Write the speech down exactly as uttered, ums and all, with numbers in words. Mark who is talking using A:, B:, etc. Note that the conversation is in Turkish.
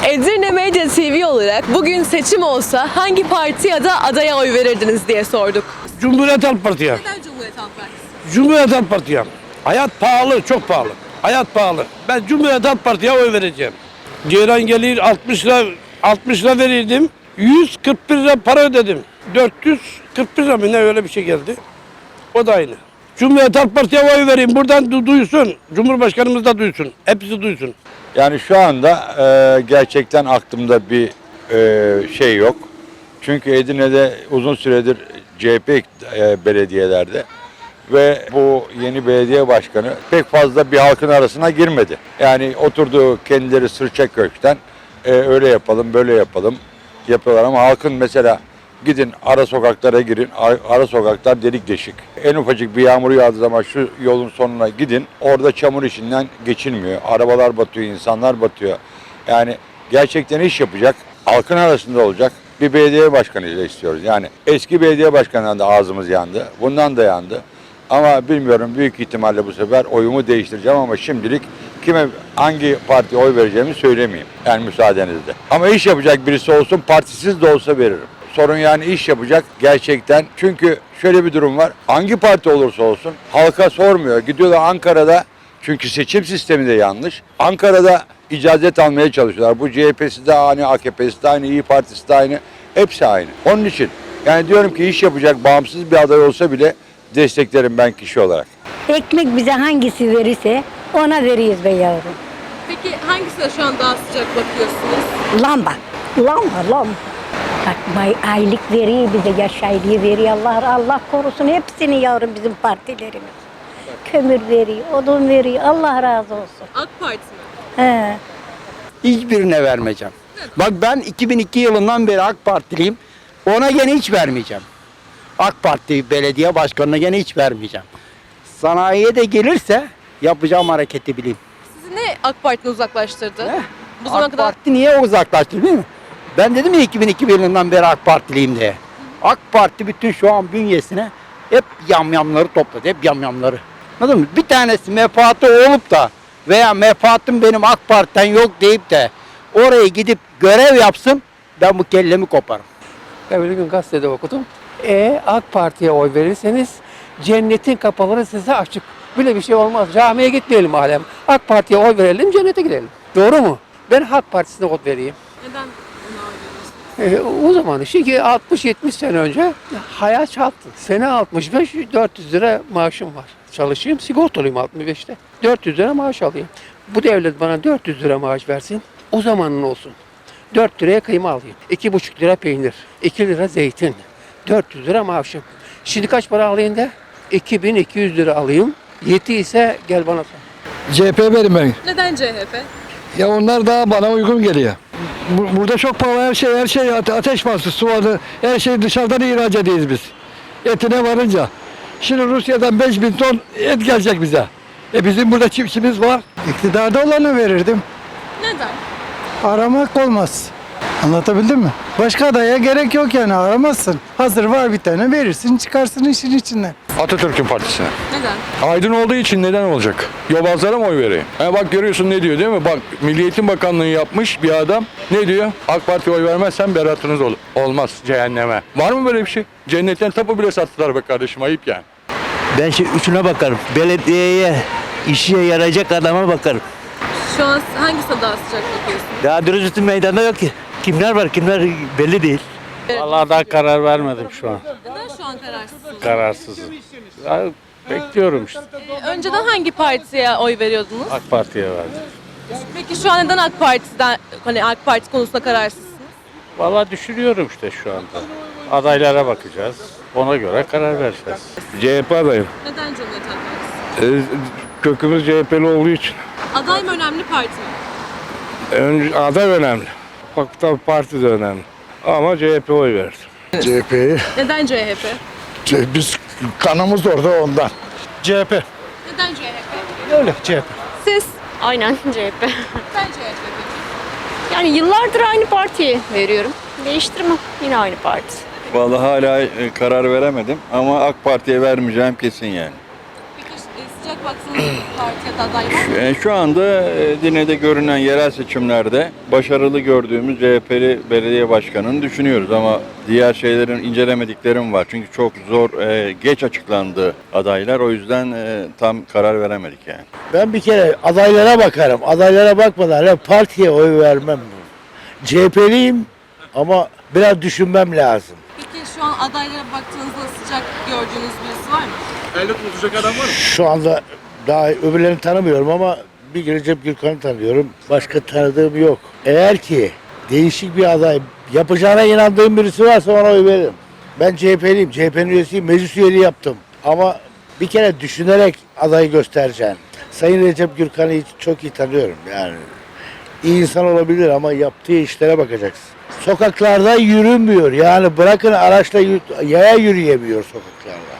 A: Edirne Medya T V olarak bugün seçim olsa hangi parti ya da adaya oy verirdiniz diye sorduk.
B: Cumhuriyet Halk Parti'ye.
A: Neden Cumhuriyet Halk Partisi?
B: Cumhuriyet Halk Parti'ye. Hayat pahalı, çok pahalı. Hayat pahalı. Ben Cumhuriyet Halk Parti'ye oy vereceğim. Ceylan gelir altmış lira, altmış lira verirdim. yüz kırk bir lira para ödedim. dört yüz kırk bir lira mı ne öyle bir şey geldi. O da aynı. Cumhuriyet Halk Parti'ye oy vereyim. Buradan du- duysun. Cumhurbaşkanımız da duysun. Hepsi duysun.
C: Yani şu anda e, gerçekten aklımda bir e, şey yok. Çünkü Edirne'de uzun süredir C H P e, belediyelerde ve bu yeni belediye başkanı pek fazla bir halkın arasına girmedi. Yani oturduğu kendileri sırça köşkten e, öyle yapalım böyle yapalım yapıyorlar ama halkın mesela gidin ara sokaklara girin, ara sokaklar delik deşik. En ufacık bir yağmur yağdığı zaman şu yolun sonuna gidin, orada çamur içinden geçilmiyor. Arabalar batıyor, insanlar batıyor. Yani gerçekten iş yapacak, halkın arasında olacak bir belediye başkanıyla istiyoruz. Yani eski belediye başkanından da ağzımız yandı, bundan da yandı. Ama bilmiyorum, büyük ihtimalle bu sefer oyumu değiştireceğim ama şimdilik kime hangi partiye oy vereceğimi söylemeyeyim. Yani müsaadenizle. Ama iş yapacak birisi olsun, partisiz de olsa veririm. Sorun yani iş yapacak gerçekten. Çünkü şöyle bir durum var. Hangi parti olursa olsun halka sormuyor. Gidiyorlar Ankara'da, çünkü seçim sistemi de yanlış. Ankara'da icazet almaya çalışıyorlar. Bu C H P'si de aynı, A K P'si de aynı, İYİ Partisi de aynı. Hepsi aynı. Onun için yani diyorum ki iş yapacak bağımsız bir aday olsa bile desteklerim ben kişi olarak.
D: Ekmek bize hangisi verirse ona veriyoruz be yavrum.
A: Peki hangisine şu an daha sıcak bakıyorsunuz?
D: Lamba, lamba, lamba. Bak bay aylık veriyor bize, yaş aylığı veriyor. Allah Allah korusun hepsini yavrum bizim partilerimiz. Kömür veriyor, odun veriyor. Allah razı olsun.
A: AK Parti mi?
D: He.
E: Hiçbirine vermeyeceğim. Bak ben iki bin iki yılından beri AK Partiliyim. Ona gene hiç vermeyeceğim. AK Parti belediye başkanına gene hiç vermeyeceğim. Sanayiye de gelirse yapacağım hareketi bileyim.
A: Sizi ne AK Parti'den uzaklaştırdı?
E: He?
A: Bu zamana
E: AK
A: kadar
E: Parti niye uzaklaştı değil mi? Ben dedim ya iki bin iki yılından beri AK Partiliyim diye. AK Parti bütün şu an bünyesine hep yamyamları topladı. Hep yamyamları. Anladın mı? Bir tanesi menfaatı olup da veya menfaatım benim AK Parti'den yok deyip de oraya gidip görev yapsın, ben bu kellemi koparım.
F: Evvel gün gazetede okudum. E AK Parti'ye oy verirseniz cennetin kapıları size açık. Böyle bir şey olmaz. Camiye gitmeyelim alem. AK Parti'ye oy verelim, cennete gidelim. Doğru mu? Ben Halk Partisi'ne oy vereyim.
A: neden ona oy veriyorsunuz?
F: E, o zaman çünkü altmış yetmiş sene önce hayat çarptı. Sene altmış beş dört yüz lira maaşım var. Çalışayım, sigortalıyım altmış beşte. dört yüz lira maaş alayım. Bu devlet bana dört yüz lira maaş versin. O zamanın olsun. dört liraya kıyma alayım. iki buçuk lira peynir. iki lira zeytin. dört yüz lira maaşım. Şimdi kaç para alayım da? iki bin iki yüz lira alayım. Yeti ise gel bana sor.
G: C H P verim ben.
A: Neden C H P?
G: Ya onlar daha bana uygun geliyor. Bu- Burada çok pahalı her şey, her şey ate- ateş bastı, su vardı. Her şey dışarıdan ihraç ediyoruz biz. Etine varınca. Şimdi Rusya'dan beş bin ton et gelecek bize. E bizim burada çiftçimiz var.
H: İktidarda olanı verirdim.
A: Neden?
H: Aramak olmaz. Anlatabildim mi? Başka adaya gerek yok yani aramazsın. Hazır var bir tane verirsin çıkarsın işin içinden.
I: Atatürk'ün partisine.
A: Neden?
I: Aydın olduğu için neden olacak? Yobazlara mı oy vereyim? Ha bak görüyorsun ne diyor değil mi? Bak Milli Eğitim Bakanlığı yapmış bir adam. Ne diyor? AK Parti'ye oy vermezsen beratınız olur. Olmaz cehenneme. Var mı böyle bir şey? Cennetten tapu bile sattılar be kardeşim, ayıp yani.
J: Ben şu üçüne bakarım. Belediyeye, işe yarayacak adama bakarım.
A: Şu an hangisine daha sıcak bakıyorsunuz?
J: Daha dürüst meydanda yok ki. Kimler var, kimler belli değil.
K: Vallahi daha karar vermedim şu an.
A: Neden şu an kararsızsınız?
K: Kararsızım. Ya, bekliyorum işte.
A: Ee, önceden hangi partiye oy veriyordunuz?
K: AK Parti'ye verdim.
A: Peki şu an neden AK Parti'den, hani AK Parti konusunda kararsızsınız?
K: Vallahi düşünüyorum işte şu anda. Adaylara bakacağız. Ona göre karar vereceğiz.
I: C H P adayım.
A: Neden Cumhuriyet Halk Partisi?
I: kökümüz C H P'li olduğu için.
A: Aday mı önemli, parti mi?
I: Önce aday önemli. Bak tabii parti de önemli. Ama C H P oy verdim.
H: C H P'yi.
A: Neden C H P?
H: Biz kanımız orada ondan.
G: C H P.
A: Neden C H P?
G: Öyle C H P.
A: Siz?
L: Aynen C H P.
A: Neden C H P?
L: Yani yıllardır aynı partiye veriyorum. Değiştirmem. Yine aynı parti.
C: Vallahi hala karar veremedim ama AK Parti'ye vermeyeceğim kesin yani.
A: Peki e, sıcak baksanız parti ya da aday var mı?
C: E, Şu anda Edirne'de görünen yerel seçimlerde başarılı gördüğümüz C H P'li belediye başkanını düşünüyoruz ama diğer şeylerin incelemediklerim var. Çünkü çok zor, e, geç açıklandı adaylar. O yüzden e, tam karar veremedik yani.
J: Ben bir kere adaylara bakarım. Adaylara bakmadan ya partiye oy vermem. C H P'liyim ama biraz düşünmem lazım.
A: Peki şu an adaylara baktığınızda sıcak gördüğünüz birisi var mı?
J: Şu anda daha öbürlerini tanımıyorum ama bir Recep Gürkan'ı tanıyorum. Başka tanıdığım yok. Eğer ki değişik bir aday yapacağına inandığım birisi varsa ona oy veririm. Ben C H P'liyim. C H P'nin üyesiyim. Meclis üyeliği yaptım. Ama bir kere düşünerek adayı göstereceğim. Sayın Recep Gürkan'ı hiç- çok iyi tanıyorum. Yani iyi insan olabilir ama yaptığı işlere bakacaksın. Sokaklarda yürünmüyor. Yani bırakın araçla yü- yaya yürüyemiyor sokaklarda.